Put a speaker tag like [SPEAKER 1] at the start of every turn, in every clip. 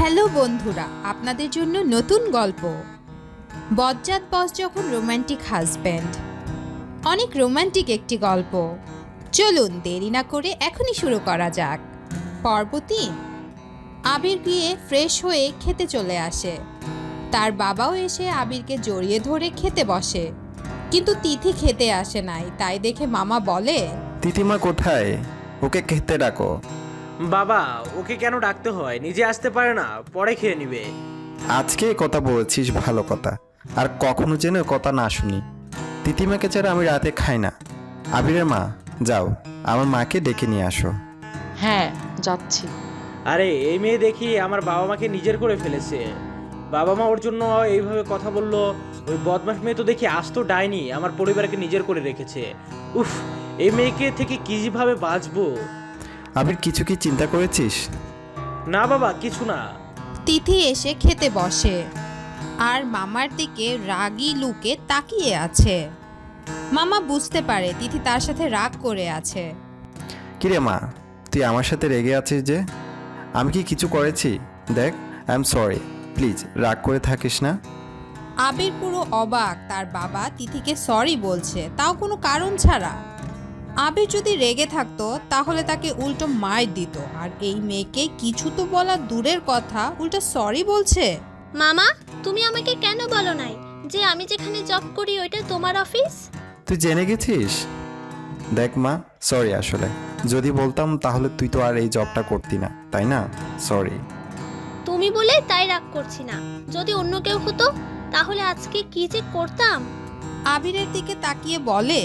[SPEAKER 1] Hello বন্ধুরা, আপনাদের জন্য নতুন গল্প। বজ্জাত বস যখন রোমান্টিক হাজব্যান্ড। অনেক রোমান্টিক একটি গল্প। চলুন দেরি না করে এখনই শুরু করা যাক। পর্ব ৩। আবির গিয়ে ফ্রেশ হয়ে খেতে চলে আসে। তার বাবাও এসে আবিরকে জড়িয়ে ধরে খেতে বসে, কিন্তু তিথি খেতে আসে নাই। তাই দেখে মামা বলে,
[SPEAKER 2] তিথিমা কোথায়? ওকে খেতে ডাকো।
[SPEAKER 3] বাবা, ওকে কেন ডাকতে হয়? নিজে আসতে পারে না? পরে খেয়ে নিবে।
[SPEAKER 2] আজকে কথা বলেছিস ভালো কথা, আর কখনো যেন কথা না শুনি। তিথিমাকে ছাড়া আমি রাতে খাই না। আবিরের মা, যাও আমার মাকে ডেকে নিয়ে আসো।
[SPEAKER 4] হ্যাঁ, যাচ্ছি।
[SPEAKER 3] আরে এই মেয়ে দেখি আমার বাবা মাকে নিজের করে ফেলেছে। বাবা মা ওর জন্য এইভাবে কথা বললো। ওই বদমাশ মেয়ে তো দেখি আস্ত ডাইনি, আমার পরিবারকে নিজের করে রেখেছে। উফ, এই মেয়েকে থেকে কিভাবে বাঁচবো?
[SPEAKER 2] আবির, কিছু কি চিন্তা করেছিস?
[SPEAKER 3] না বাবা, কিছু না।
[SPEAKER 1] তিথি এসে খেতে বসে আর মামার দিকে রাগী লুকে তাকিয়ে আছে। মামা বুঝতে পারে তিথি তার সাথে রাগ করে আছে।
[SPEAKER 2] কিরে মা, তুই আমার সাথে রেগে আছিস যে? আমি কি কিছু করেছি? দেখ, আই এম সরি, প্লিজ রাগ করে থাকিস না।
[SPEAKER 1] আবির পুরো অবাক, তার বাবা তিথিকে সরি বলছে, তাও কোনো কারণ ছাড়া। আবির যদি রেগে থাকতো তাহলে তাকে উল্টো মার দিত, আর এই মেয়েকে কিছু তো বলা দূরের কথা, উল্টো সরি বলছে।
[SPEAKER 5] মামা, তুমি আমাকে কেন বলো নাই যে আমি যেখানে জব করি ওইটা তোমার অফিস?
[SPEAKER 2] তুই জেনে গেছিস? দেখ মা, সরি। আসলে যদি বলতাম তাহলে তুই তো আর এই জবটা করতি না, তাই না? সরি।
[SPEAKER 5] তুমি বলে তাই রাগ করছি না। যদি অন্য কেউ হতো তাহলে আজকে কি যে করতাম।
[SPEAKER 1] আবিরের দিকে তাকিয়ে বলে,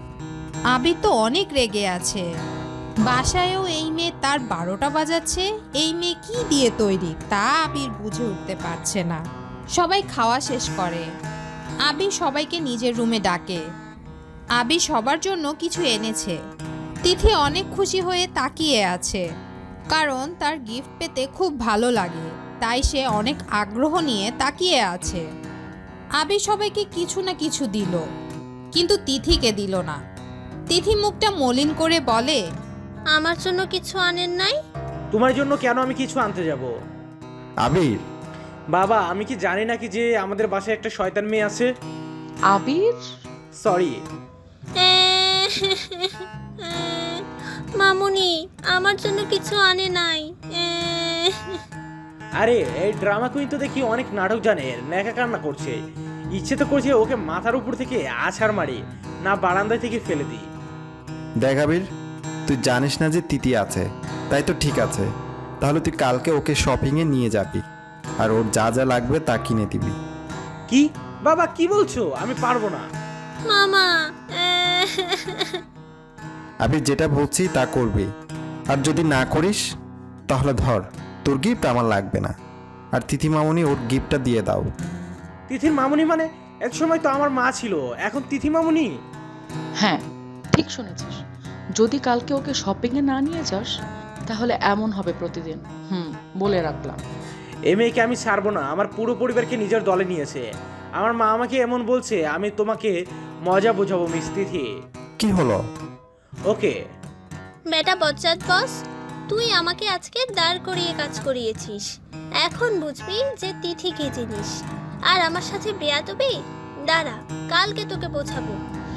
[SPEAKER 1] আবির তো অনেক রেগে আছে। বাসায়ও এই মেয়ে তার 12টা বাজাচ্ছে। এই মেয়ে কি দিয়ে তৈরি তা আবির বুঝে উঠতে পারছে না। সবাই খাওয়া শেষ করে। আবির সবাইকে নিজের রুমে ডাকে। আবির সবার জন্য কিছু এনেছে। তিথি অনেক খুশি হয়ে তাকিয়ে আছে, কারণ তার গিফট পেতে খুব ভালো লাগে। তাই সে অনেক আগ্রহ নিয়ে তাকিয়ে আছে। আবির সবাইকে কিছু না কিছু দিল, কিন্তু তিথিকে দিল না। তিথি মুখটা মলিন করে বলে,
[SPEAKER 5] আমার জন্য কিছু আনেন নাই?
[SPEAKER 3] তোমার জন্য কেন আমি কিছু আনতে যাব?
[SPEAKER 2] আবির,
[SPEAKER 3] বাবা, আমি কি জানি নাকি যে আমাদের বাসায় একটা শয়তান মেয়ে আছে?
[SPEAKER 4] আবির,
[SPEAKER 3] সরি।
[SPEAKER 5] মামুনি আমার জন্য কিছু আনে নাই।
[SPEAKER 3] আরে এই ড্রামা কুইন তো দেখি অনেক নাটক জানে, নেকা কান্না করছে। ইচ্ছে তো করছে ওকে মাথার উপর থেকে আছাড় মারি, না বারান্দা থেকে ফেলে দিই।
[SPEAKER 2] দেখ আবির, তুই জানিস না যে তিথি আছে, তাই তো ঠিক আছে। তাহলে তুই কালকে ওকে শপিংয়ে নিয়ে যাবি, আর ওর যা যা লাগবে তা কিনে দিবি।
[SPEAKER 3] কি বাবা, কি বলছো? আমি পারবো না।
[SPEAKER 5] মামা,
[SPEAKER 2] আবির, যেটা বলছি তা করবি, আর যদি না করিস তাহলে ধর, তোর গিফট আমার লাগবে না, আর তিথি মামনি ওর গিফটটা দিয়ে দাও।
[SPEAKER 3] তিথির মামুনি মানে? এক সময় তো আমার মা ছিল, এখন তিথি মামুনি?
[SPEAKER 4] হ্যাঁ ঠিক শুনেছিস। যদি কালকে ওকে শপিংয়ে না নিয়ে যাস তাহলে এমন হবে প্রতিদিন। বলে রাখলাম।
[SPEAKER 3] এই মেয়েকে আমি ছাড়বো না। আমার পুরো পরিবারকে নিজের দলে নিয়েছে। আমার মা আমাকে এমন বলছে, আমি তোমাকে মজা বোঝাবো মিস তিথি।
[SPEAKER 2] কি হলো?
[SPEAKER 3] ওকে।
[SPEAKER 5] বেটা বজ্জাত বস, তুই আমাকে আজকে দাঁড় করিয়ে কাজ করিয়েছিস। এখন বুঝবি যে তিথি কি জিনিস। আর আমার সাথে বেয়াদবি? দাঁড়া, কালকে তোকে বোঝাবো।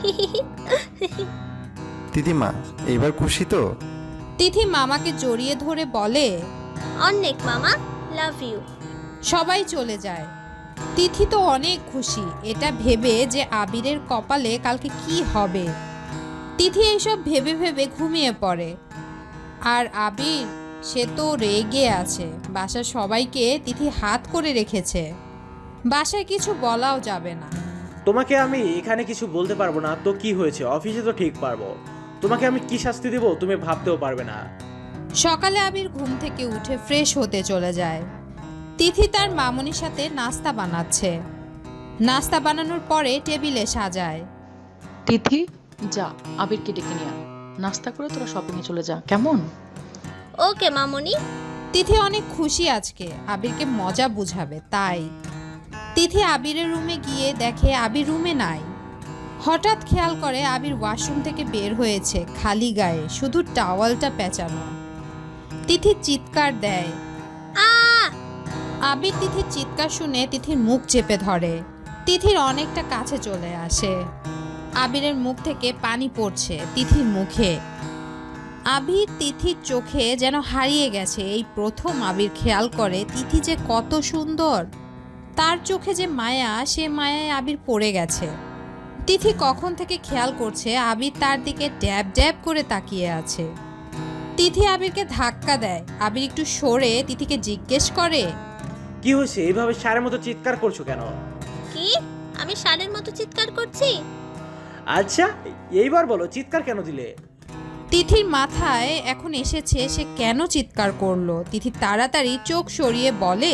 [SPEAKER 2] তিথিমা, এবার খুশি তো?
[SPEAKER 1] তিথি মামাকে জড়িয়ে ধরে বলে,
[SPEAKER 5] অনেক মামা, লাভ ইউ।
[SPEAKER 1] সবাই চলে যায়। তিথি তো অনেক খুশি এটা ভেবে যে আবিরের কপালে কালকে কি হবে। তিথি এইসব ভেবে ভেবে ঘুমিয়ে পড়ে। আর আবির, সে তো রেগে আছে। বাসার সবাইকে তিথি হাত করে রেখেছে। বাসায় কিছু বলাও যাবে না।
[SPEAKER 3] তোমাকে আমি এখানে কিছু বলতে পারবো না তো কি হয়েছে, অফিসে তো ঠিক পারবো। তোমাকে আমি কি শাস্তি দেবো তুমি ভাবতেও পারবে না।
[SPEAKER 1] সকালে আবির ঘুম থেকে উঠে ফ্রেশ হতে চলে যায়। তিথি তার মামনির সাথে নাস্তা বানাচ্ছে। নাস্তা বানানোর পরে টেবিলে সাজায়।
[SPEAKER 4] তিথি, যা আবিরকে ডেকে নিয়ে আয়। নাস্তা করে তোরা শপিংয়ে চলে যা, কেমন?
[SPEAKER 5] ওকে মামুনি।
[SPEAKER 1] তিথি অনেক খুশি আজকে আবিরকে মজা বুঝাবে, তাই তিথি আবিরের রুমে গিয়ে দেখে আবির রুমে নাই। হঠাৎ খেয়াল করে আবির ওয়াশরুম থেকে বের হয়েছে খালি গায়ে, শুধু টাওয়ালটা পেঁচানো। তিথি চিৎকার দেয়,
[SPEAKER 5] আ
[SPEAKER 1] আবির তিথির চিৎকার শুনে তিথির মুখ চেপে ধরে। তিথির অনেকটা কাছে চলে আসে। আবিরের মুখ থেকে পানি পড়ছে তিথির মুখে। আবির তিথির চোখে যেন হারিয়ে গেছে। এই প্রথম আবির খেয়াল করে তিথি যে কত সুন্দর। তার চোখে যে মায়া, সে মায়ায় আবির পড়ে গেছে। তিথি কখন থেকে খেয়াল করছে আবির তার দিকে ড্যাব ড্যাব করে তাকিয়ে আছে। তিথি আবিরকে ধাক্কা দেয়। আবির একটু সরে তিথিকে জিজ্ঞেস করে,
[SPEAKER 3] কি হয়েছে? এইভাবে সারের মতো চিৎকার করছো কেন?
[SPEAKER 5] কি? আমি ষাঁড়ের মতো চিৎকার করছি?
[SPEAKER 3] আচ্ছা, এইবার বলো চিৎকার কেন দিলে?
[SPEAKER 1] তিথির মাথায় এখন এসেছে সে কেন চিৎকার করলো। তিথি তাড়াতাড়ি চোখ সরিয়ে বলে,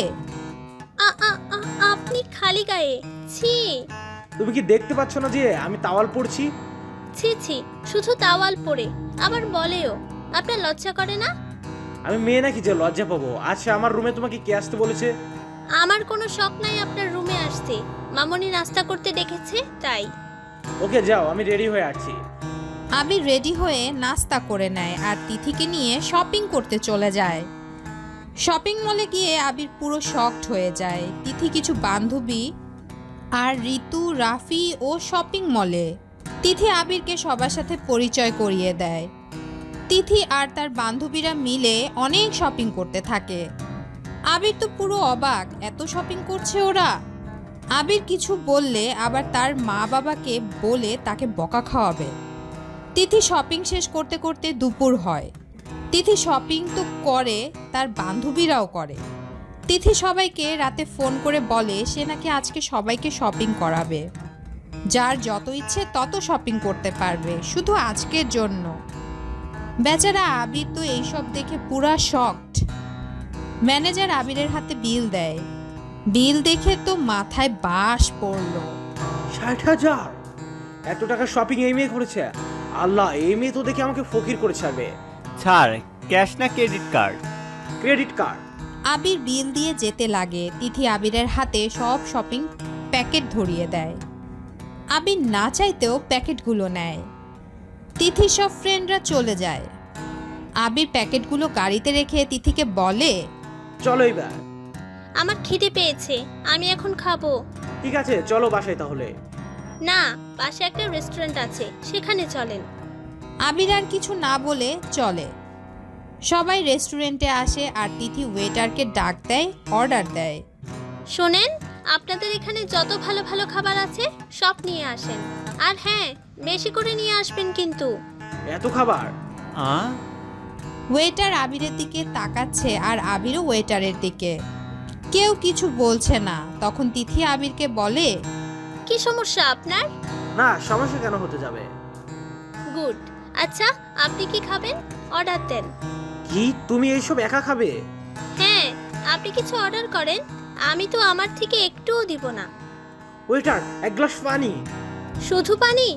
[SPEAKER 5] আপনি খালি গায়ে। ছি
[SPEAKER 3] তুমি কি দেখতে পাচ্ছ না যে আমি তাওয়াল পড়ছি?
[SPEAKER 5] ছি ছি, শুধু তাওয়াল পরে আবার বলেও। আপনার লজ্জা করে না?
[SPEAKER 3] আমি মেয়ে নাকি যে লজ্জা পাবো? আচ্ছা, আমার রুমে তোমাকে কে আসতে বলেছে?
[SPEAKER 5] আমার কোনো শখ নাই আপনার রুমে আসতে। মামনি নাস্তা করতে ডেকেছে তাই।
[SPEAKER 3] ওকে যাও, আমি রেডি হয়ে আসছি।
[SPEAKER 1] আবির রেডি হয়ে নাস্তা করে নেয় আর তিথিকে নিয়ে শপিং করতে চলে যায়। শপিং মলে গিয়ে আবির পুরো শকড হয়ে যায়। তিথি কিছু বান্ধবী আর ঋতু, রাফি ও শপিং মলে। তিথি আবিরকে সবার সাথে পরিচয় করিয়ে দেয়। তিথি আর তার বান্ধবীরা মিলে অনেক শপিং করতে থাকে। আবির তো পুরো অবাক, এত শপিং করছে ওরা। আবির কিছু বললে আবার তার মা বাবাকে বলে তাকে বকা খাওয়াবে। তিথি শপিং শেষ করতে করতে দুপুর হয়। তিথি শপিং তো করে, তার বান্ধবীরাও করে। তিথি সবাইকে রাতে ফোন করে বলে সে নাকি আজকে সবাইকে শপিং করাবে। যার যত ইচ্ছে তত শপিং করতে পারবে, শুধু আজকের জন্য। বেচারা আবির তো এইসব দেখে পুরা শকড। ম্যানেজার আবিরের হাতে বিল দেয়। বিল দেখে তো মাথায় বাস পড়লো।
[SPEAKER 3] 60,000! এত টাকা শপিং এই মেয়ে করেছে? আল্লাহ, এই মেয়ে তো দেখে আমাকে ফকির করে ছাড়বে।
[SPEAKER 6] ছাড়, ক্যাশ না credit card?
[SPEAKER 3] Credit card.
[SPEAKER 1] Abir bill দিয়ে যেতে লাগে। তিথি আবিরের হাতে সব শপিং প্যাকেট ধরিয়ে দেয়। আবির না চাইতেও প্যাকেটগুলো নেয়। তিথি সব ফ্রেন্ডরা চলে যায়। আবির প্যাকেটগুলো গাড়িতে রেখে তিথিকে বলে,
[SPEAKER 3] চলো এবার।
[SPEAKER 5] আমার খিদে পেয়েছে, আমি এখন খাবো।
[SPEAKER 3] ঠিক আছে, চলো বাসায় তাহলে।
[SPEAKER 5] না, পাশে একটা রেস্টুরেন্ট আছে, সেখানে চলেন।
[SPEAKER 1] আবির আর কিছু না বলে চলে। সবাই রেস্টুরেন্টে আসে আর তিথি ওয়েটারকে ডাক দেয়, অর্ডার দেয়।
[SPEAKER 5] শোনেন, আপনাদের এখানে যত ভালো ভালো খাবার আছে সব নিয়ে আসেন। আর হ্যাঁ, বেশি করে নিয়ে আসবেন কিন্তু।
[SPEAKER 3] এত খাবার?
[SPEAKER 1] ওয়েটার আবিরের দিকে তাকাচ্ছে আর আবিরও ওয়েটারের দিকে। কেউ কিছু বলছে না। তখন তিথি আবিরকে বলে,
[SPEAKER 5] কি সমস্যা আপনার?
[SPEAKER 3] না, সমস্যা কেন হতে যাবে?
[SPEAKER 5] গুড। আচ্ছা, আপনি কি খাবেন? অর্ডার দেন।
[SPEAKER 3] কি, তুমি এইসব একা খাবে?
[SPEAKER 5] হ্যাঁ, আপনি কিছু অর্ডার করেন, আমি তো আমার থেকে একটুও দিব না।
[SPEAKER 3] ওয়েটার, এক গ্লাস পানি।
[SPEAKER 5] শুধু পানি?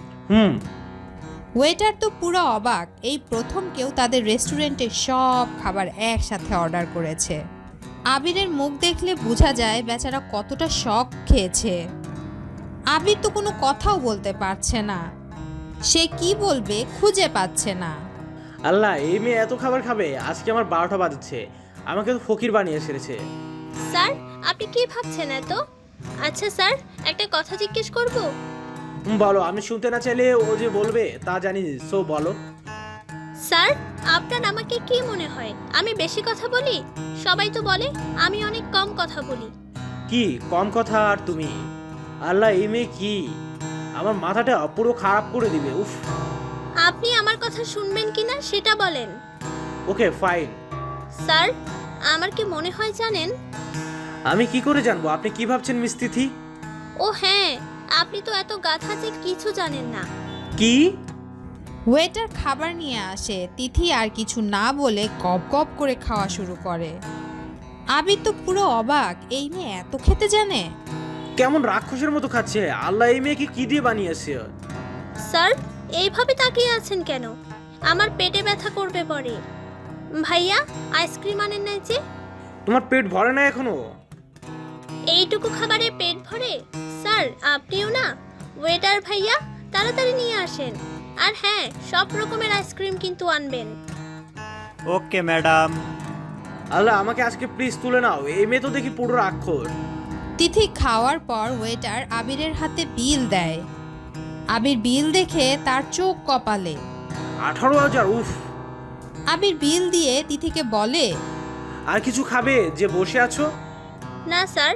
[SPEAKER 1] ওয়েটার তো পুরো অবাক। এই প্রথম কেউ তাদের রেস্টুরেন্টে সব খাবার একসাথে অর্ডার করেছে। আবিরের মুখ দেখলে বোঝা যায় বেচারা কতটা শক খেয়েছে। আবির তো কোনো কথাও বলতে পারছে না। সে কি বলবে খুঁজে পাচ্ছে না।
[SPEAKER 3] আল্লাহ, এই মেয়ে এত খাবার খাবে? আজকে আমার 12টা বাজছে। আমাকে তো ফকির বানিয়ে ছেড়েছে।
[SPEAKER 5] স্যার, আপনি কি ভাবছেন এত? আচ্ছা স্যার, একটা কথা জিজ্ঞেস করব?
[SPEAKER 3] বলো। আমি শুনতে না চাইলে ও যে বলবে তা জানি, সো বলো।
[SPEAKER 5] স্যার, আপনার আমাকে কি মনে হয় আমি বেশি কথা বলি? সবাই তো বলে আমি অনেক কম কথা বলি।
[SPEAKER 3] কি কম কথা? আর তুমি? আল্লাহ, এই মেয়ে কি আমার মাথাটা পুরো খারাপ করে দিবে। উফ।
[SPEAKER 5] আপনি আমার কথা শুনবেন কিনা সেটা বলেন।
[SPEAKER 3] Okay fine.
[SPEAKER 5] স্যার, আমার কি মনে হয় জানেন?
[SPEAKER 3] আমি কি করে জানবো? আপনি কি ভাবছেন মিস তিথি?
[SPEAKER 5] ও হ্যাঁ, আপনি তো এত গাধা যে কিছু জানেন না।
[SPEAKER 3] কি?
[SPEAKER 1] ওয়েটার খাবার নিয়ে আসে। তিথি আর কিছু না বলে গপ গপ করে খাওয়া শুরু করে। আবির তো পুরো অবাক, এই মেয়ে এত খেতে জানে।
[SPEAKER 3] কেমন রাক্ষসের মতো খাচ্ছে। আল্লাহ, এই মেয়েকে কি দিয়ে বানিয়েছে?
[SPEAKER 5] স্যার, এইভাবে তাকিয়ে আছেন কেন? আমার পেটে ব্যথা করবে পরে। ভাইয়া, আইসক্রিম আনেন নাই যে?
[SPEAKER 3] তোমার পেট ভরে না এখনো?
[SPEAKER 5] এইটুকু খাবারে পেট ভরে? স্যার, আপনিও না? ওয়েটার ভাইয়া, তাড়াতাড়ি নিয়ে আসেন। আর হ্যাঁ, সব রকমের আইসক্রিম কিন্তু আনবেন।
[SPEAKER 6] Okay madam.
[SPEAKER 3] আল্লাহ আমাকে আজকে প্লিজ তুলে নাও, এই মেয়ে তো দেখি পুরো রাক্ষস।
[SPEAKER 1] তিথি খাওয়ার পর ওয়েটার আবিরের হাতে বিল দেয়। আবির বিল দেখে তার চোখ কপালে।
[SPEAKER 3] 18,000, উফ।
[SPEAKER 1] আবির বিল দিয়ে তিথিকে বলে,
[SPEAKER 3] আর কিছু খাবে যে বসে আছো?
[SPEAKER 5] না স্যার।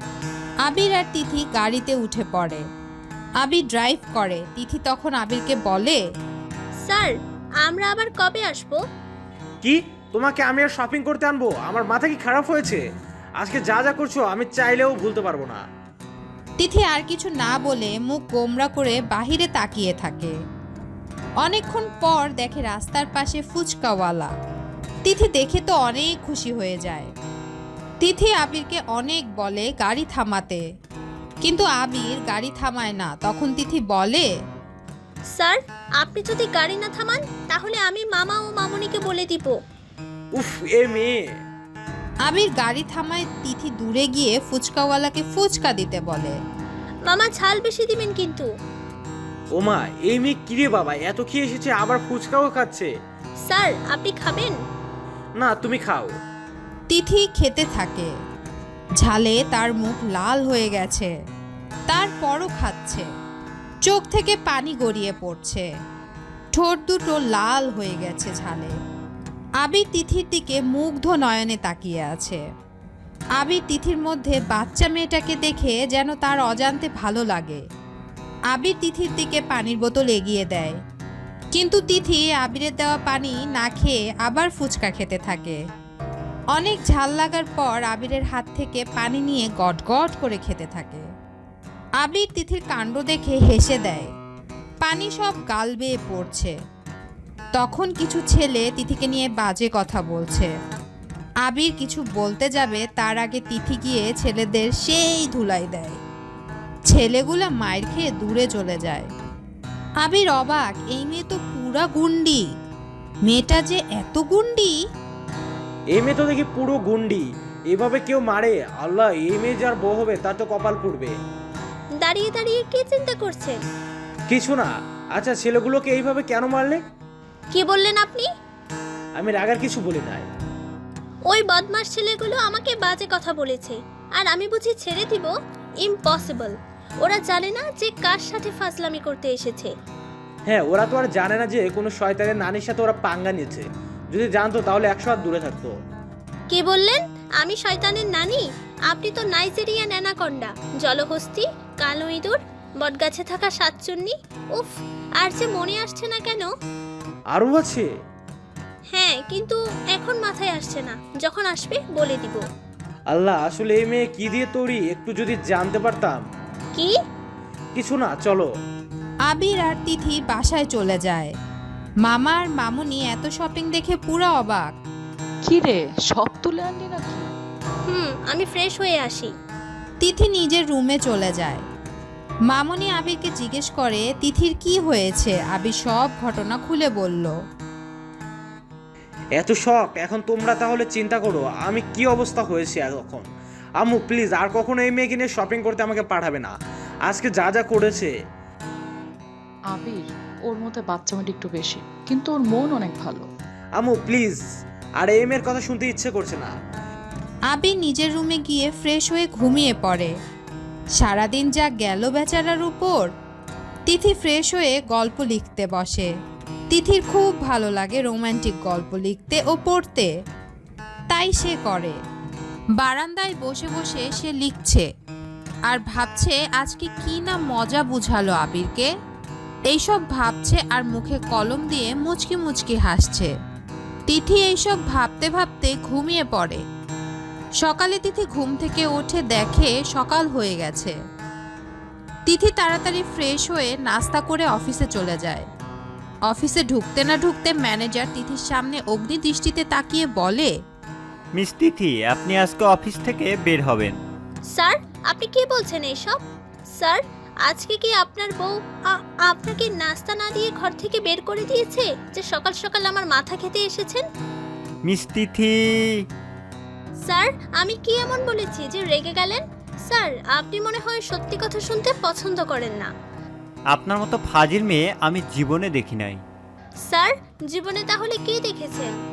[SPEAKER 1] আবির আর তিথি গাড়িতে উঠে পড়ে। আবির ড্রাইভ করে। তিথি তখন আবিরকে বলে,
[SPEAKER 5] স্যার আমরা আবার কবে আসবো?
[SPEAKER 3] কি, তোমাকে আমি আর শপিং করতে আনবো? আমার মাথা কি খারাপ হয়েছে? আজকে যা যা করছো আমি চাইলেও ভুলতে পারবো না।
[SPEAKER 1] তিথি আর কিছু না বলে মুখ গোমরা করে বাহিরে তাকিয়ে থাকে। অনেকক্ষণ পর দেখে রাস্তার পাশে ফুচকাওয়ালা। তিথি দেখে তো অনেক খুশি হয়ে যায়। তিথি আবিরকে অনেক বলে গাড়ি থামাতে, কিন্তু আবির গাড়ি থামায় না। তখন তিথি বলে,
[SPEAKER 5] স্যার আপনি যদি গাড়ি না থামান তাহলে আমি মামা ও মামুনিকে বলে দিব।
[SPEAKER 3] উফ, এ মেয়ে।
[SPEAKER 1] আবির গাড়ি থামায়। তিথি দূরে গিয়ে ফুচকাওয়ালাকে ফুচকা দিতে বলে।
[SPEAKER 5] মামা ঝাল বেশি দিবেন কিন্তু।
[SPEAKER 3] ওমা, এই মেয়ে কিরে বাবা, এত খেয়ে এসেছে আবার ফুচকাও খাচ্ছে।
[SPEAKER 5] স্যার আপনি খাবেন?
[SPEAKER 3] না, তুমি খাও।
[SPEAKER 1] তিথি খেতে থাকে। ঝালে তার মুখ লাল হয়ে গেছে, তারপরও খাচ্ছে। চোখ থেকে পানি গড়িয়ে পড়ছে, ঠোঁট দুটো লাল হয়ে গেছে ঝালে। আবির তিথির দিকে মুগ্ধ নয়নে তাকিয়ে আছে। আবির তিথির মধ্যে বাচ্চা মেয়েটাকে দেখে যেন তার অজান্তে ভালো লাগে। আবির তিথির দিকে পানির বোতল এগিয়ে দেয়, কিন্তু তিথি আবিরের দেওয়া পানি না খেয়ে আবার ফুচকা খেতে থাকে। অনেক ঝাল লাগার পর আবিরের হাত থেকে পানি নিয়ে গটগট করে খেতে থাকে। আবির তিথির কাণ্ড দেখে হেসে দেয়। পানি সব গাল বেয়ে পড়ছে। তখন কিছু ছেলে তিথিকে নিয়ে বাজে কথা বলছে। আবির কিছু বলতে যাবে তার আগে তিথি গিয়ে ছেলেদের সেই ধুলাই দেয়। ছেলেগুলা মায়ের খেয়ে দূরে চলে যায়। আবির অবাক, এই মেয়ে তো পুরা গুন্ডি। মেয়েটা যে এত গুন্ডি!
[SPEAKER 3] এই মেয়ে তো দেখি পুরো গুন্ডি। এভাবে কেউ মারে? আল্লাহ, এই মেয়ে যার বউ হবে তার তো কপাল পুড়বে।
[SPEAKER 5] দাঁড়িয়ে দাঁড়িয়ে কি চিন্তা করছেন?
[SPEAKER 3] কিছু না। আচ্ছা, ছেলেগুলোকে এইভাবে কেন মারলে?
[SPEAKER 5] কি বললেন আপনি?
[SPEAKER 3] আমি রাগার কিছু বলি নাই।
[SPEAKER 5] ওই বদমাস ছেলেগুলো আমাকে বাজে কথা বলেছে, আর আমি বুঝি ছেড়ে দিব? ইম্পসিবল। ওরা জানে না যে কার সাথে ফাজলামি করতে এসেছে।
[SPEAKER 3] হ্যাঁ, ওরা তো আর জানে না যে কোনো শয়তানের নানির সাথে ওরা পাঙ্গা নিয়েছে। যদি জানতো তাহলে 100 হাত দূরে থাকতো।
[SPEAKER 5] কি বললেন? আমি শয়তানের নানি? আপনি তো নাইজেরিয়ান অ্যানাকন্ডা, জলহস্তি, কালো ইঁদুর, বটগাছে থাকা সাতচুন্নি। উফ, আর যে মনে আসছে না কেন।
[SPEAKER 3] আরও আছে?
[SPEAKER 5] হ্যাঁ, কিন্তু এখন মাথায় আসছে না। যখন আসবে বলে দিব।
[SPEAKER 3] আল্লাহ, আসলে এই মেয়ে কি দিয়ে তৈরি একটু যদি জানতে পারতাম।
[SPEAKER 5] কি?
[SPEAKER 3] কিছু না, চলো।
[SPEAKER 1] আবির আর তিথি বাসায় চলে যায়। মামা আর মামুনি এত শপিং দেখে পুরো অবাক।
[SPEAKER 4] কি রে, সব তুলে আনলি নাকি?
[SPEAKER 5] আমি ফ্রেশ হয়ে আসি।
[SPEAKER 1] তিথি নিজের রুমে চলে যায়। মামুনি আবিরকে জিজ্ঞেস করে তিথির কি হয়েছে। আবির সব ঘটনা খুলে বলল।
[SPEAKER 3] এত শখ, এখন তোমরা তাহলে চিন্তা করো আমি কি অবস্থা হয়েছে এখন। আম্মু প্লিজ আর কখনো এই মেয়েকে নিয়ে শপিং করতে আমাকে পাঠাবে না। আজকে যা যা করেছে।
[SPEAKER 4] আবির, ওর মধ্যে বাচ্চামাটি একটু বেশি, কিন্তু ওর মন অনেক ভালো।
[SPEAKER 3] আম্মু প্লিজ, আর এই মেয়ের কথা শুনতে ইচ্ছে করছে না।
[SPEAKER 1] আবির নিজের রুমে গিয়ে ফ্রেশ হয়ে ঘুমিয়ে পড়ে। সারাদিন যা গেল বেচারার উপর। তিথি ফ্রেশ হয়ে গল্প লিখতে বসে। তিথির খুব ভালো লাগে রোমান্টিক গল্প লিখতে ও পড়তে, তাই সে করে। বারান্দায় বসে বসে সে লিখছে আর ভাবছে আজকে কি না মজা বুঝালো আবিরকে। এইসব ভাবছে আর মুখে কলম দিয়ে মুচকি মুচকি হাসছে। তিথি এইসব ভাবতে ভাবতে ঘুমিয়ে পড়ে। সকালে তিথি ঘুম থেকে উঠে দেখে সকাল হয়ে গেছে। তিথি তাড়াতাড়ি ফ্রেশ হয়ে নাস্তা করে অফিসে চলে যায়। অফিসে ঢুকতে না ঢুকতে ম্যানেজার তিথির সামনে অগ্নি দৃষ্টিতে তাকিয়ে বলে,
[SPEAKER 6] মিস তিথি, আপনি আজকে অফিস থেকে বের হবেন।
[SPEAKER 5] স্যার আপনি কি বলছেন এইসব? স্যার আজকে কি আপনার বউ আপনাকে নাস্তা না দিয়ে ঘর থেকে বের করে দিয়েছে যে সকাল সকাল আমার মাথা খেতে এসেছেন?
[SPEAKER 6] মিস তিথি।
[SPEAKER 5] স্যার আমি কি এমন বলেছি যে রেগে গেলেন? স্যার আপনি মনে হয় সত্যি কথা শুনতে পছন্দ করেন না।
[SPEAKER 6] আপনার মতো ফাজিল মেয়ে আমি জীবনে দেখি নাই।
[SPEAKER 5] স্যার জীবনে তাহলে কি দেখেছেন?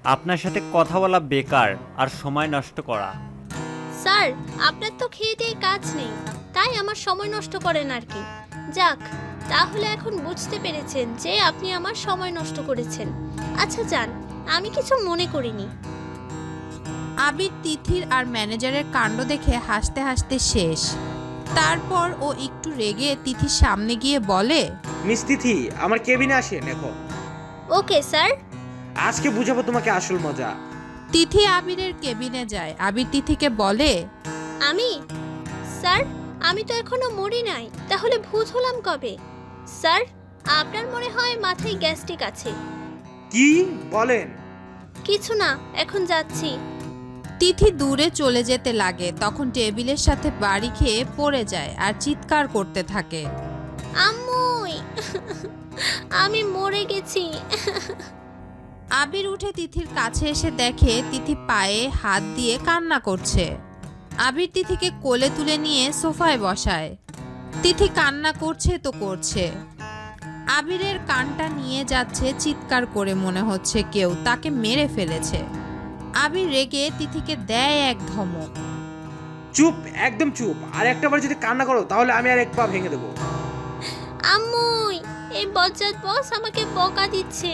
[SPEAKER 6] আপনার সাথে কথা বলা বেকার আর সময় নষ্ট করা।
[SPEAKER 5] স্যার, আপনার তো খেয়ে দিয়ে কাজ নেই, তাই আমার সময় নষ্ট করেন আর কি। যাক, তাহলে এখন বুঝতে পেরেছেন যে আপনি আমার সময় নষ্ট করেছেন। আচ্ছা যান, আমি কিছু মনে করিনি।
[SPEAKER 1] আবির তিথির আর ম্যানেজারের কাণ্ড দেখে হাসতে হাসতে শেষ। তারপর ও একটু রেগে তিথির সামনে গিয়ে বলে,
[SPEAKER 3] মিস তিথি, আমার কেবিনে আসেন এখন।
[SPEAKER 5] Okay sir.
[SPEAKER 3] আজকে বুঝাবো তোমাকে আসল মজা।
[SPEAKER 1] তিথি আবিরের কেবিনে যায়। আবির তিথিকে বলে,
[SPEAKER 5] আমি? স্যার, আমি তো এখনো মরি নাই, তাহলে ভূত হলাম কবে? স্যার, আপনার মনে হয় মাথায় গ্যাস্ট্রিক আছে।
[SPEAKER 3] কি বলেন?
[SPEAKER 5] কিছু না, এখন যাচ্ছি।
[SPEAKER 1] তিথি দূরে চলে যেতে লাগে। তখন টেবিলের সাথে বাড়ি খেয়ে পড়ে যায় আর চিৎকার করতে থাকে।
[SPEAKER 5] আম্মুই, আমি মরে গেছি।
[SPEAKER 1] আবির উঠে তিথির কাছে এসে দেখে তিথি পায়ে হাত দিয়ে কান্না করছে। আবির তিথিকে কোলে তুলে নিয়ে সোফায় বসায়। তিথি কান্না করছে তো করছে। আবিরের কানটা নিয়ে যাচ্ছে চিৎকার করে, মনে হচ্ছে কেউ তাকে মেরে ফেলেছে। আবির রেগে তিথিকে দেয় এক ধমক।
[SPEAKER 3] চুপ, একদম চুপ। আর একটা বার যদি কান্না করো তাহলে আমি আর এক পা ভেঙে দেবো।
[SPEAKER 5] আম্মুই, এই বজ্জাত বস আমাকে বকা দিচ্ছে।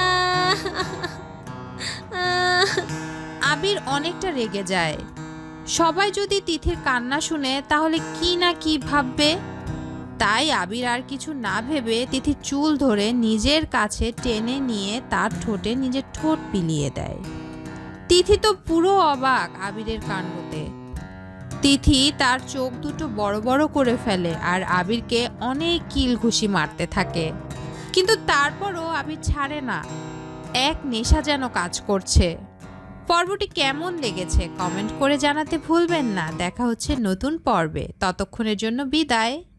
[SPEAKER 1] আবির অনেকটা রেগে যায়। সবাই যদি তিথির কান্না শুনে তাহলে কি না কি ভাববে। তাই আবির আর কিছু না ভেবে তিথির চুল ধরে নিজের কাছে টেনে নিয়ে তার ঠোঁটে নিজের ঠোঁট পিলিয়ে দেয়। তিথি তো পুরো অবাক আবিরের কাণ্ডতে। তিথি তার চোখ দুটো বড় বড় করে ফেলে আর আবিরকে অনেক কিল ঘুষি মারতে থাকে, কিন্তু তারপরও আবির ছাড়ে না। এক নেশা যেন কাজ করছে। পর্বটি কেমন লেগেছে কমেন্ট করে জানাতে ভুলবেন না। দেখা হচ্ছে নতুন পর্বে, ততক্ষণের জন্য বিদায়।